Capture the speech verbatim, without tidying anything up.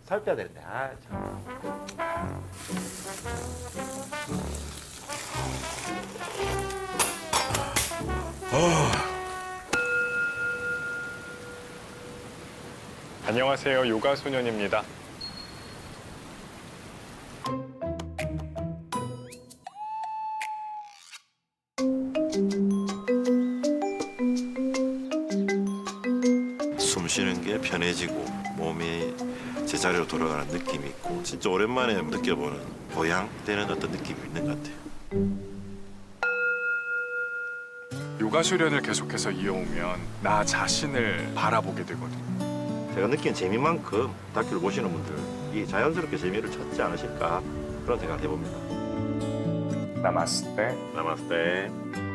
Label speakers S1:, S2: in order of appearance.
S1: 살 빼야 되는데. 아, 참.
S2: 안녕하세요. 요가 소년입니다.
S3: 숨 쉬는 게 편해지고 몸이 제자리로 돌아가는 느낌이 있고 진짜 오랜만에 느껴보는 보양되는 어떤 느낌이 있는 것 같아요.
S2: 요가 수련을 계속해서 이어오면 나 자신을 바라보게 되거든요.
S3: 제가 느낀 재미만큼 다큐를 보시는 분들이 자연스럽게 재미를 찾지 않으실까 그런 생각을 해봅니다.
S2: 나마스테.
S3: 나마스테.